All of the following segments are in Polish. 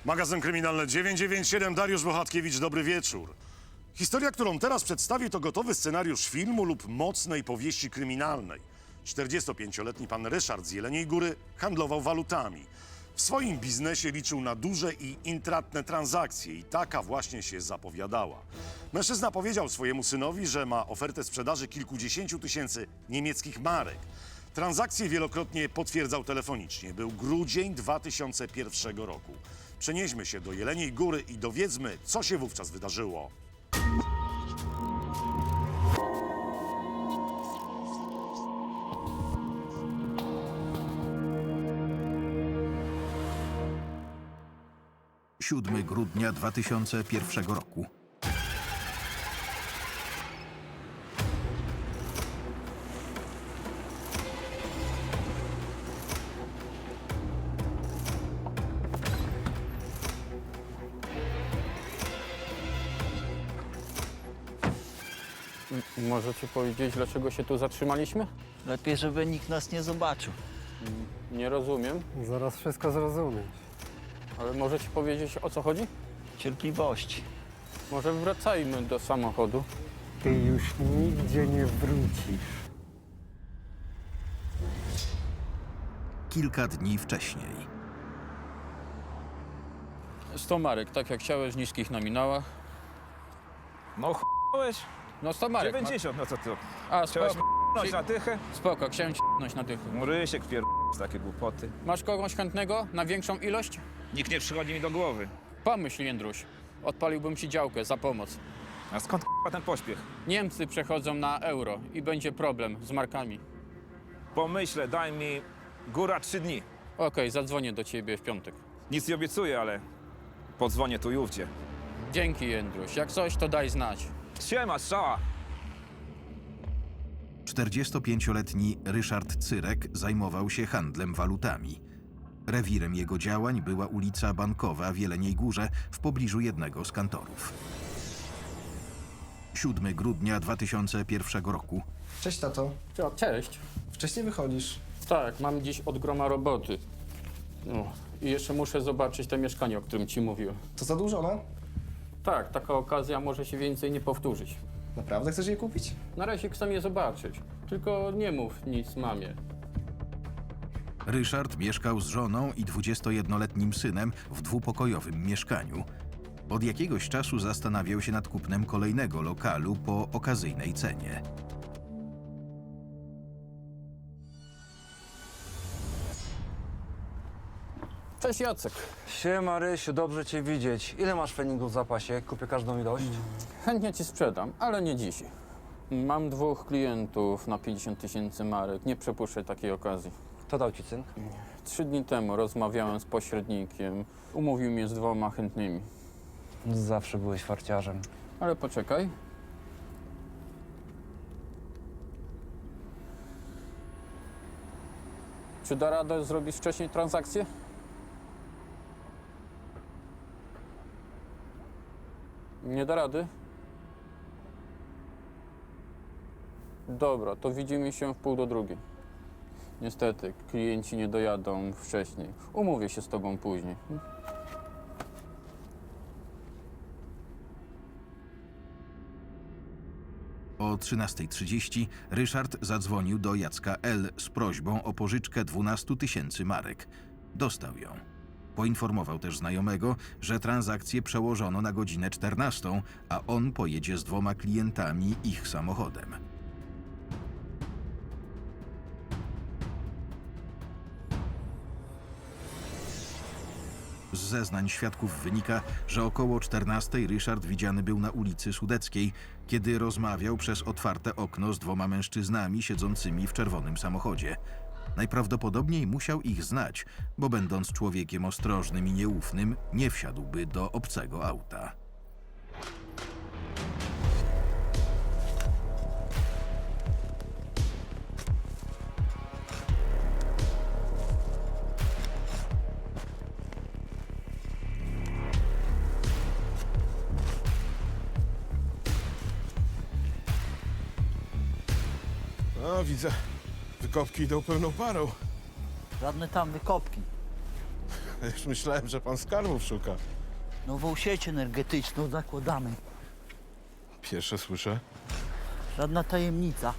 Magazyn Kryminalny 997, Dariusz Bohatkiewicz, dobry wieczór. Historia, którą teraz przedstawię, to gotowy scenariusz filmu lub mocnej powieści kryminalnej. 45-letni pan Ryszard z Jeleniej Góry handlował walutami. W swoim biznesie liczył na duże i intratne transakcje i taka właśnie się zapowiadała. Mężczyzna powiedział swojemu synowi, że ma ofertę sprzedaży kilkudziesięciu tysięcy niemieckich marek. Transakcje wielokrotnie potwierdzał telefonicznie. Był grudzień 2001 roku. Przenieśmy się do Jeleniej Góry i dowiedzmy, co się wówczas wydarzyło. Siódmy grudnia 2001 roku. Możecie powiedzieć, dlaczego się tu zatrzymaliśmy? Lepiej, żeby nikt nas nie zobaczył. Nie rozumiem, Zaraz wszystko zrozumiesz. ale możecie powiedzieć, o co chodzi? Cierpliwości. Może wracajmy do samochodu. Ty już nigdzie nie wrócisz. Kilka dni wcześniej. 100 marek, tak jak chciałeś, w niskich nominałach. No ch**ałeś? No 100 marek. 90, no co ty? A, Chciałeś spoko, m***nąć na tychę? spoko, chciałem ci***nąć na dychu. Rysiek pier... takie głupoty. Masz kogoś chętnego na większą ilość? Nikt nie przychodzi mi do głowy. Pomyśl, Jędruś. Odpaliłbym ci działkę za pomoc. A skąd ten pośpiech? Niemcy przechodzą na euro i będzie problem z markami. Pomyślę, daj mi góra 3 dni. Okej, zadzwonię do ciebie w piątek. Nic nie obiecuję, ale podzwonię tu i ówdzie. Dzięki, Jędruś. Jak coś, to daj znać. Siema, strzała! 45-letni Ryszard Cyrek zajmował się handlem walutami. Rewirem jego działań była ulica Bankowa w Jeleniej Górze w pobliżu jednego z kantorów. 7 grudnia 2001 roku. Cześć, tato. Cześć. Wcześniej wychodzisz. Tak, mam dziś od groma roboty. No, i jeszcze muszę zobaczyć to mieszkanie, o którym ci mówiłem. To zadłużone? Tak, taka okazja może się więcej nie powtórzyć. Naprawdę chcesz je kupić? Na razie chcę je zobaczyć, tylko nie mów nic mamie. Ryszard mieszkał z żoną i 21-letnim synem w dwupokojowym mieszkaniu. Od jakiegoś czasu zastanawiał się nad kupnem kolejnego lokalu po okazyjnej cenie. Cześć Jacek. Siema Rysiu, dobrze cię widzieć. Ile masz feningów w zapasie? Kupię każdą ilość. Chętnie ci sprzedam, ale nie dziś. Mam 2 klientów na 50 tysięcy marek. Nie przepuszczę takiej okazji. Kto dał ci cynk? 3 dni temu rozmawiałem z pośrednikiem. Umówił mnie z 2 chętnymi. Zawsze byłeś farciarzem. Ale poczekaj. Czy da radę zrobić wcześniej transakcję? Nie da rady? Dobra, to widzimy się w 1:30. Niestety, klienci nie dojadą wcześniej. Umówię się z tobą później. O 13:30 Ryszard zadzwonił do Jacka L. z prośbą o pożyczkę 12 tysięcy marek. Dostał ją. Poinformował też znajomego, że transakcję przełożono na godzinę 14, a on pojedzie z 2 klientami ich samochodem. Z zeznań świadków wynika, że około 14 Ryszard widziany był na ulicy Sudeckiej, kiedy rozmawiał przez otwarte okno z 2 mężczyznami siedzącymi w czerwonym samochodzie. Najprawdopodobniej musiał ich znać, bo będąc człowiekiem ostrożnym i nieufnym, nie wsiadłby do obcego auta. A, widzę. Wykopki idą pełną parą. Żadne tam wykopki. Już myślałem, że pan skarbów szuka. Nową sieć energetyczną zakładamy. Pierwsze słyszę. Żadna tajemnica.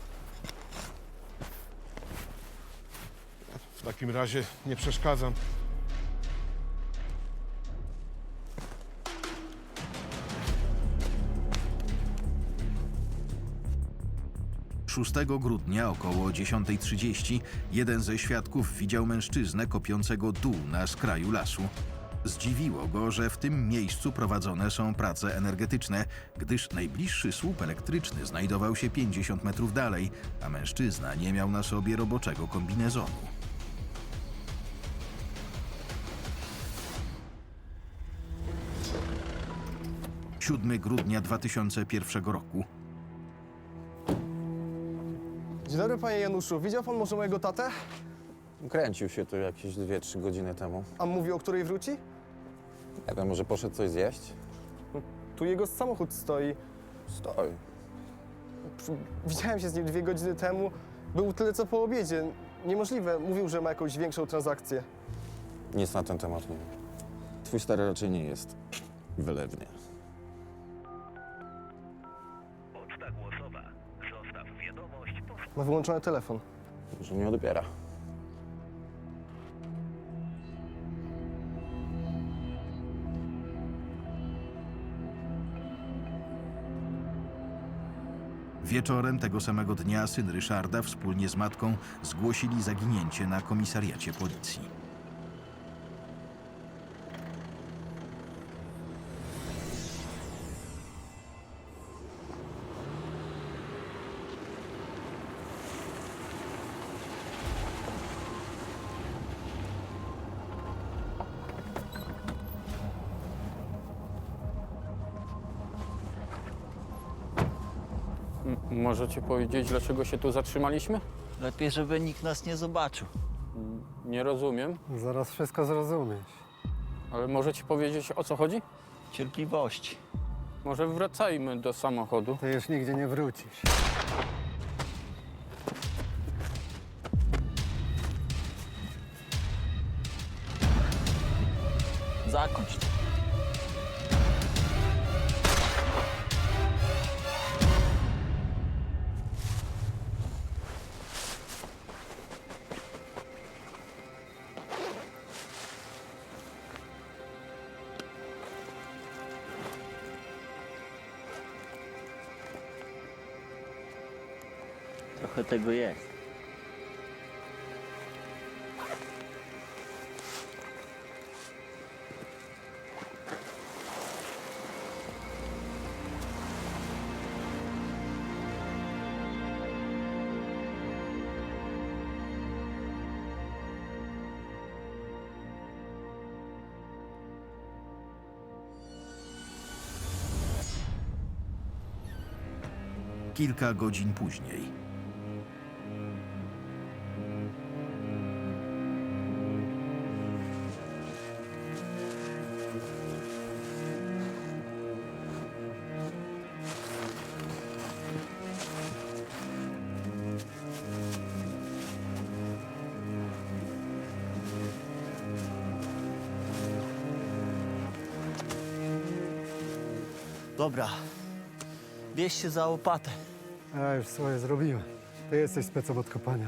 W takim razie nie przeszkadzam. 6 grudnia około 10:30 jeden ze świadków widział mężczyznę kopiącego dół na skraju lasu. Zdziwiło go, że w tym miejscu prowadzone są prace energetyczne, gdyż najbliższy słup elektryczny znajdował się 50 metrów dalej, a mężczyzna nie miał na sobie roboczego kombinezonu. – 7 grudnia 2001 roku. Dzień dobry, panie Januszu. Widział pan może mojego tatę? Kręcił się tu jakieś 2-3 godziny temu. A mówi, o której wróci? Nie wiem, może poszedł coś zjeść? Tu jego samochód stoi. Stoi. Widziałem się z nim 2 godziny temu. Był tyle co po obiedzie. Niemożliwe. Mówił, że ma jakąś większą transakcję. Nic na ten temat nie wiem. Twój stary raczej nie jest wylewny. Poczta głosowa. Zostaw wiadomość po... Ma wyłączony telefon. Może nie odbiera. Wieczorem tego samego dnia syn Ryszarda wspólnie z matką zgłosili zaginięcie na komisariacie policji. Możecie powiedzieć, dlaczego się tu zatrzymaliśmy? Lepiej, żeby nikt nas nie zobaczył. Nie rozumiem, Zaraz wszystko zrozumiesz. ale możecie powiedzieć, o co chodzi? Cierpliwości. Może wracajmy do samochodu. Ty już nigdzie nie wrócisz. Zakończ to. Trochę tego jest. Kilka godzin później. Dobra. Bierz się za łopatę. Ja już swoje zrobiłem. Ty jesteś specem od kopania.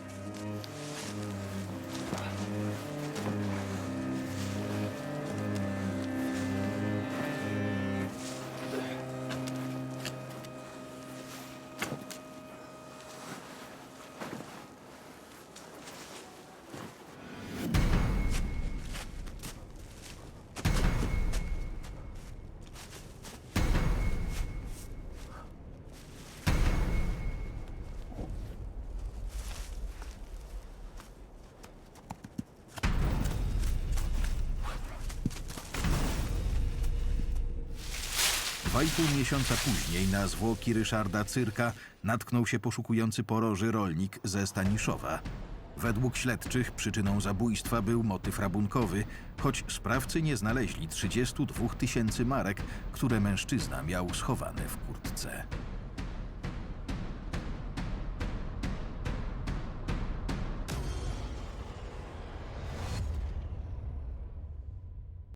Dwa i pół miesiąca później na zwłoki Ryszarda Cyrka natknął się poszukujący poroży rolnik ze Staniszowa. Według śledczych przyczyną zabójstwa był motyw rabunkowy, choć sprawcy nie znaleźli 32 000 marek, które mężczyzna miał schowane w kurtce.